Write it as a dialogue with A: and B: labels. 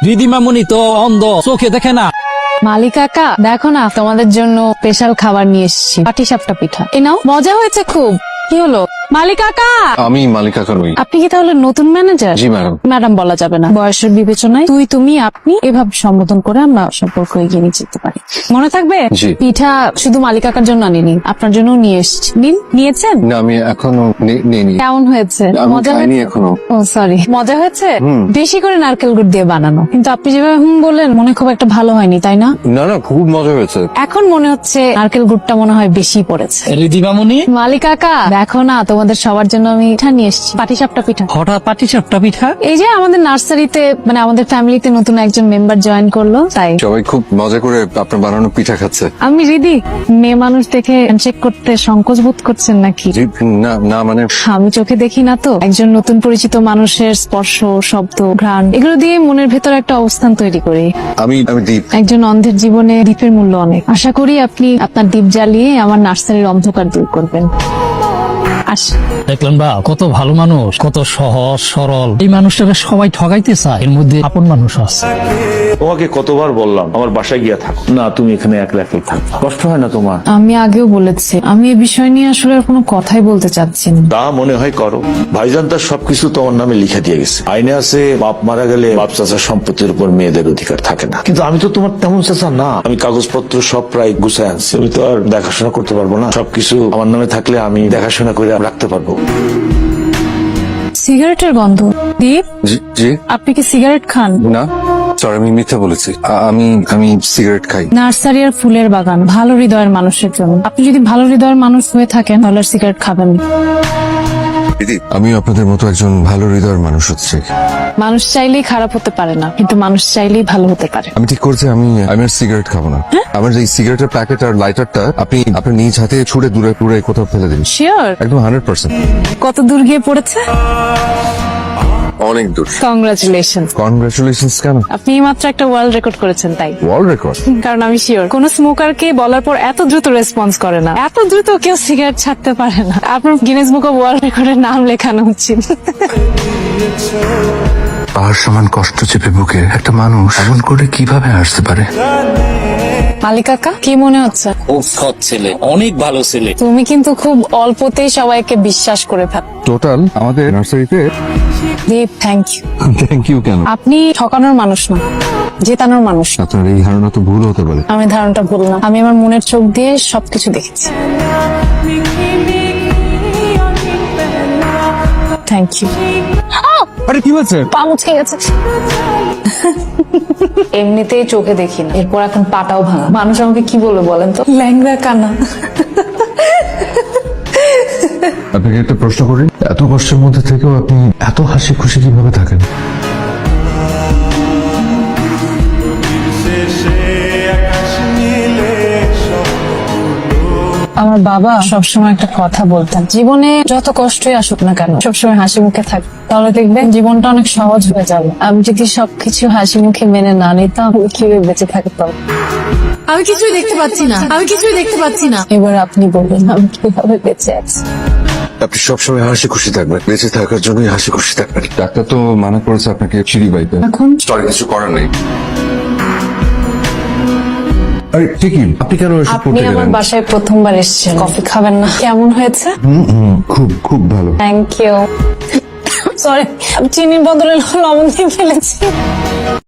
A: রিদিমামুনি তো অন্ধ, চোখে দেখে না।
B: মালিক কাকা দেখো না, তোমাদের জন্য স্পেশাল খাবার নিয়ে এসেছি, পাটিসাপটা পিঠা। এ নাও, মজা হয়েছে খুব। কি হলো মালিক কাকা?
C: আমি মালিক কাকা নই।
B: আপনি কি তাহলে নতুন ম্যানেজার?
C: জি ম্যাডাম।
B: ম্যাডাম বলা যাবে না, বয়সের বিবেচনায় তুই তুমি আপনি এভাবে সম্বোধন করে আমরা সম্পর্ক এগিয়ে নিয়ে যেতে পারি। মনে থাকবে?
C: জি।
B: পিঠা শুধু মালিক কাকার জন্য আনিনি, আপনার জন্য নিয়ে এসেছি। নিন, নিয়েছেন?
C: না, আমি এখনো নিইনি।
B: কেমন হয়েছে?
C: আমি
B: মজা
C: খাইনি
B: হয়েছে?
C: এখনো।
B: ও সরি, মজা হয়েছে? বেশি করে নারকেল গুড় দিয়ে বানানো, কিন্তু আপনি যেভাবে বললেন মনে খুব একটা ভালো হয়নি, তাই না?
C: না না, খুব মজা হয়েছে।
B: এখন মনে হচ্ছে নারকেল গুড়টা মনে হয় বেশি পড়েছে।
A: রিদিমামুনি,
B: মালিক কাকা দেখো না, তোমাদের সবার জন্য আমি পিঠা নিয়ে এসেছি, পাটিসাপটা পিঠা।
A: হঠাৎ পাটিসাপটা পিঠা?
B: এই যে আমাদের নার্সারিতে মানে আমাদের ফ্যামিলিতে নতুন একজন মেম্বার জয়েন করলো, তাই।
C: সবাই খুব মজা করে আপনার বানানো পিঠা খাচ্ছে।
B: আমি রিদি, মেয়ে মানুষ দেখে হ্যান্ডশেক করতে সংকোচ বোধ করছেন নাকি?
C: জি, না না, মানে
B: আমি চোখে দেখি না তো, একজন নতুন পরিচিত মানুষের স্পর্শ, শব্দ, ঘ্রাণ এগুলো দিয়ে মনের ভেতর একটা অবস্থান তৈরি করি।
C: আমি দীপ।
B: একজন অন্ধের জীবনে দ্বীপের মূল্য অনেক। আশা করি আপনি আপনার দ্বীপ জ্বালিয়ে আমার নার্সারির অন্ধকার দূর করবেন। আসি।
A: দেখলেন বা কত ভালো মানুষ, কত সহজ সরল। এই মানুষটাকে সবাই ঠগাইতে চায়, এর মধ্যে আপন মানুষ আছে।
D: তোমাকে কতবার বললাম আমার বাসায় গিয়া থাকো না, তুমি এখানে একলা একলাই থাকো, কষ্ট হয় না তোমার?
B: আমি আগেও বলেছি, আমি এই বিষয় নিয়ে আসলে আর কোনো কথাই বলতে চাচ্ছি না।
D: তা মনে হয় করো। ভাইজান তার সবকিছু তোমার নামে লিখে দিয়ে গেছে। আইনে আছে বাপ মারা গেলে বাপ চাচার সম্পত্তির উপর মেয়েদের অধিকার থাকে না, কিন্তু আমি তো তোমার তেমন চাচা না। আমি কাগজপত্র সব প্রায় গুছায় আনছি, আমি তো আর দেখাশোনা করতে পারবো না। সবকিছু আমার নামে থাকলে আমি দেখাশোনা করে রাখতে পারবো।
B: সিগারেটের গন্ধ। দীপ,
C: জি জি।
B: আপনি কি সিগারেট খান?
C: না সরি, আমি মিথ্যা বলেছি। আমি সিগারেট খাই।
B: নার্সারি আর ফুলের বাগান ভালো হৃদয়ের মানুষের জন্য। আপনি যদি ভালো হৃদয়ের মানুষ হয়ে থাকেন তাহলে আর সিগারেট খাবেন না।
C: দিদি, আমি আপনাদের মতো একজন ভালো হৃদয়ের মানুষ হচ্ছে।
B: মানুষ চাইলেই খারাপ হতে পারে না, কিন্তু মানুষ চাইলেই ভালো হতে পারে।
C: আমি ঠিক করছি, আমি আর সিগারেট খাবো না। আমার এই সিগারেটের প্যাকেট আর লাইটারটা আপনি আপনার নিজ হাতে ছুঁড়ে দূরে দূরে কোথাও ফেলে দিন।
B: শিওর?
C: একদম 100%।
B: কত দূর গিয়ে পড়েছে?
C: অনেক দূর।
B: কংগ্রাচুলেশন।
C: কনগ্রাচুলেশনস কেন?
B: আপনি মাত্র একটা ওয়ার্ল্ড রেকর্ড করেছেন, তাই।
C: World record?
B: কারণ আমি শিওর কোন স্মোকারকে বলার পর এত দ্রুত রেসপন্স করে না, এত দ্রুত কেউ সিগারেট ছাড়তে পারে না। আপনার গিনেস বুক অফ ওয়ার্ল্ড রেকর্ডের নাম লেখানো উচিত।
E: পাহাড় সমান কষ্ট চেপে বুকে একটা মানুষ এমন করে কিভাবে আসতে পারে?
B: মালিক কাকা, কি মনে হচ্ছে?
A: খুব সৎ ছেলে, অনেক ভালো ছেলে।
B: তুমি কিন্তু খুব অল্পতেই সবাইকে বিশ্বাস করে ফেল।
C: টোটাল আমাদের নার্সারিতে।
B: Deep, thank you.
C: Thank you কেন?
B: আপনি ঠকানোর মানুষ না, জেতানোর মানুষ।
C: আপনার এই ধারণা তো ভুল হতে পারে।
B: আমি ধারণাটা ভুল না, আমি আমার মনের চোখ দিয়ে সবকিছু দেখেছি। Thank you.
C: আরে কি হয়েছে?
B: পা মুচকে গেছে। এমনিতেই চোখে দেখি না, এরপর এখন পাটাও ভাঙা। মানুষ আমাকে কি বলবে বলেন তো? ল্যাংড়া কানা।
E: আপনাকে একটা প্রশ্ন করি, এত কষ্টের মধ্যে থেকেও আপনি এত হাসি খুশি কিভাবে থাকেন?
B: আমার বাবা সবসময় একটা কথা বলতেন, জীবনে যত কষ্টই আসুক না কেন সবসময় হাসি মুখে থাক, তাহলে দেখবেন জীবনটা অনেক সহজ হয়ে যাবে। আমি যদি সবকিছু হাসি মুখে মেনে না নিতাম, আমি কিভাবে বেঁচে থাকতাম?
F: আমি কিছুই দেখতে পাচ্ছি না, আমি কিছুই দেখতে পাচ্ছি না।
B: এবার আপনি বলবেন আমি কিভাবে বেঁচে আছি।
C: আপনি সবসময় হাসি খুশি থাকবেন, বেঁচে থাকার জন্যই হাসি খুশি থাকবেন। ডাক্তার তো মানা করেছে আপনাকে সিঁড়ি বাইতে।
B: এখন
C: সরি, কিছু করার নেই। আরে ঠিকই, আপনি কেন এসব
B: আপনি
C: করতে
B: আমার
C: গেলেন?
B: বাসায় প্রথমবার এসেছেন, কফি খাবেন না? কেমন হয়েছে?
C: খুব খুব ভালো।
B: Thank you. সরি, চিনির বদলে লবণ দিয়ে ফেলেছি।